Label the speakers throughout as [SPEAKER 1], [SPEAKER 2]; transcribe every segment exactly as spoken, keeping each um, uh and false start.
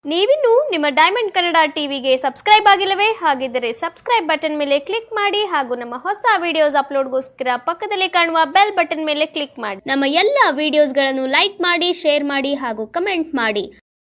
[SPEAKER 1] ನೀವಿನ್ನು ನಿಮ್ಮ ಡೈಮಂಡ್ ಕನ್ನಡ ಟಿವಿಗೆ ಸಬ್ಸ್ಕ್ರೈಬ್ ಆಗಿಲ್ಲವೇ? ಹಾಗಿದ್ದರೆ ಸಬ್ಸ್ಕ್ರೈಬ್ ಬಟನ್ ಮೇಲೆ ಕ್ಲಿಕ್ ಮಾಡಿ ಹಾಗೂ ನಮ್ಮ ಹೊಸ ವಿಡಿಯೋಸ್ ಅಪ್ಲೋಡ್ಗೋಸ್ಕರ ಪಕ್ಕದಲ್ಲಿ ಕಾಣುವ ಬೆಲ್ ಬಟನ್ ಮೇಲೆ ಕ್ಲಿಕ್ ಮಾಡಿ. ನಮ್ಮ ಎಲ್ಲ ವಿಡಿಯೋಸ್ಗಳನ್ನು ಲೈಕ್ ಮಾಡಿ, ಶೇರ್ ಮಾಡಿ ಹಾಗೂ ಕಮೆಂಟ್ ಮಾಡಿ.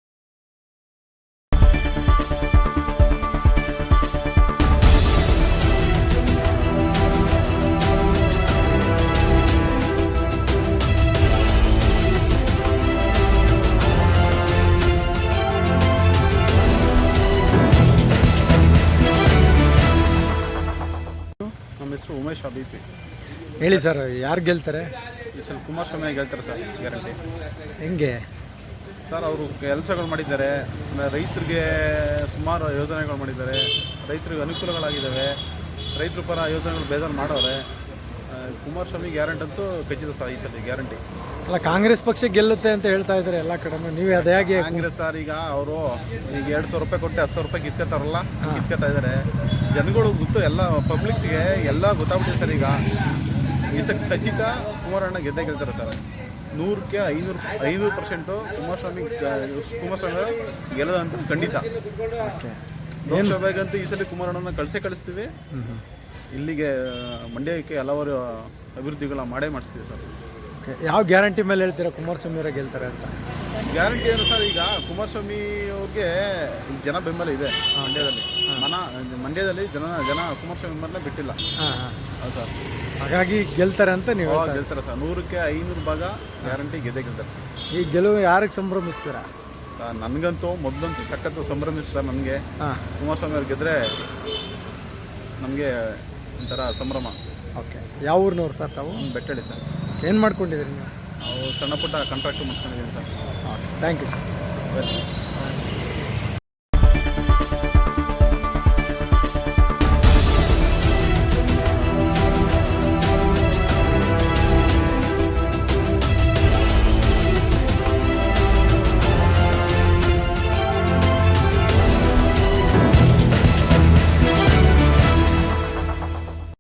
[SPEAKER 2] ನಮ್ಮ ಹೆಸರು ಉಮೇಶ್ ಅಭಿಪಿ.
[SPEAKER 3] ಹೇಳಿ ಸರ್, ಯಾರು ಗೆಲ್ತಾರೆ?
[SPEAKER 2] ಈ ಸಲ ಕುಮಾರಸ್ವಾಮಿ ಗೆಲ್ತಾರೆ ಸರ್, ಗ್ಯಾರಂಟಿ.
[SPEAKER 3] ಹೆಂಗೆ
[SPEAKER 2] ಸರ್, ಅವರು ಕೆಲಸಗಳು ಮಾಡಿದ್ದಾರೆ, ರೈತರಿಗೆ ಸುಮಾರು ಯೋಜನೆಗಳು ಮಾಡಿದ್ದಾರೆ, ರೈತರಿಗೆ ಅನುಕೂಲಗಳಾಗಿದ್ದಾವೆ, ರೈತರ ಪರ ಯೋಜನೆಗಳು ಬೇಜಾರು ಮಾಡೋರೆ. ಕುಮಾರಸ್ವಾಮಿ ಗ್ಯಾರಂಟಿ ಅಂತೂ ಖಚಿತ ಸರ್, ಈ ಸಲ ಗ್ಯಾರಂಟಿ.
[SPEAKER 3] ಅಲ್ಲ, ಕಾಂಗ್ರೆಸ್ ಪಕ್ಷ ಗೆಲ್ಲುತ್ತೆ ಅಂತ ಹೇಳ್ತಾ ಇದ್ದಾರೆ ಎಲ್ಲ ಕಡೆ. ನೀವು ಅದೇ ಹೇಗೆ?
[SPEAKER 2] ಕಾಂಗ್ರೆಸ್ ಸರ್, ಈಗ ಅವರು ಈಗ ಎರಡು ಸಾವಿರ ರೂಪಾಯಿ ಕೊಟ್ಟು ಹತ್ತು ಸಾವಿರ ರೂಪಾಯಿ ಕಿತ್ಕೊತಾರಲ್ಲ, ಕಿತ್ಕೊತಾ ಇದ್ದಾರೆ. ಜನಗಳು ಗೊತ್ತು, ಎಲ್ಲ ಪಬ್ಲಿಕ್ಸ್ಗೆ ಎಲ್ಲ ಗೊತ್ತಾಗ್ಬಿಟ್ಟಿದೆ ಸರ್. ಈಗ ಈ ಸಲ ಖಚಿತ ಕುಮಾರಣ್ಣ ಗೆದ್ದೇ ಗೆಲ್ತಾರೆ ಸರ್. ನೂರಕ್ಕೆ ಐನೂರು ಐನೂರು ಪರ್ಸೆಂಟು ಕುಮಾರಸ್ವಾಮಿ ಕುಮಾರಸ್ವಾಮಿ ಗೆಲ್ಲೋದಂತೂ ಖಂಡಿತ. ಲೋಕಸಭೆಗಂತೂ ಈ ಸಲ ಕುಮಾರಣ್ಣನ ಕಳಿಸೇ ಕಳಿಸ್ತೀವಿ. ಇಲ್ಲಿಗೆ ಮಂಡ್ಯಕ್ಕೆ ಹಲವಾರು ಅಭಿವೃದ್ಧಿಗಳ ಮಾಡೇ ಮಾಡಿಸ್ತೀವಿ ಸರ್.
[SPEAKER 3] ಯಾವ ಗ್ಯಾರಂಟಿ ಮೇಲೆ ಹೇಳ್ತೀರಾ ಕುಮಾರಸ್ವಾಮಿ ಅವರೇ ಗೆಲ್ತಾರೆ ಅಂತ?
[SPEAKER 2] ಗ್ಯಾರಂಟಿ ಏನು ಸರ್, ಈಗ ಕುಮಾರಸ್ವಾಮಿ ಅವ್ರಿಗೆ ಜನ ಬೆಂಬಲ ಇದೆ ಮಂಡ್ಯದಲ್ಲಿ. ಮನ ಮಂಡ್ಯದಲ್ಲಿ ಜನ ಜನ ಕುಮಾರಸ್ವಾಮಿ ಬೆಂಬಲ ಬಿಟ್ಟಿಲ್ಲ. ಹೌದು ಸರ್,
[SPEAKER 3] ಹಾಗಾಗಿ ಗೆಲ್ತಾರೆ ಅಂತ ನೀವು
[SPEAKER 2] ಗೆಲ್ತಾರೆ ಸರ್. ನೂರಕ್ಕೆ ಐನೂರು ಭಾಗ ಗ್ಯಾರಂಟಿ ಗೆದ್ದೇ ಗೆಲ್ತಾರೆ ಸರ್.
[SPEAKER 3] ಈ ಗೆಲುವು ಯಾರಿಗೆ ಸಂಭ್ರಮಿಸ್ತೀರಾ?
[SPEAKER 2] ಸರ್, ನನಗಂತೂ ಮೊದಲಂತೂ ಸಖತ್ತು ಸಂಭ್ರಮಿಸ್ ಸರ್. ನನಗೆ ಕುಮಾರಸ್ವಾಮಿ ಅವ್ರು ಗೆದ್ದರೆ ನಮಗೆ ಒಂಥರ ಸಂಭ್ರಮ.
[SPEAKER 3] ಓಕೆ, ಯಾವ ಊರಿನವ್ರು ಸರ್ ತಾವು?
[SPEAKER 2] ಬೆಟ್ಟಳ್ಳಿ ಸರ್.
[SPEAKER 3] ಏನು ಮಾಡ್ಕೊಂಡಿದ್ದೀರಿ ನೀವು?
[SPEAKER 2] ನಾವು ಸಣ್ಣ ಪುಟ್ಟ ಕಾಂಟ್ರಾಕ್ಟ್ ಮುಗಿಸ್ಕೊಂಡಿದ್ದೀನಿ sir.
[SPEAKER 3] Okay, thank you sir.
[SPEAKER 2] Welcome.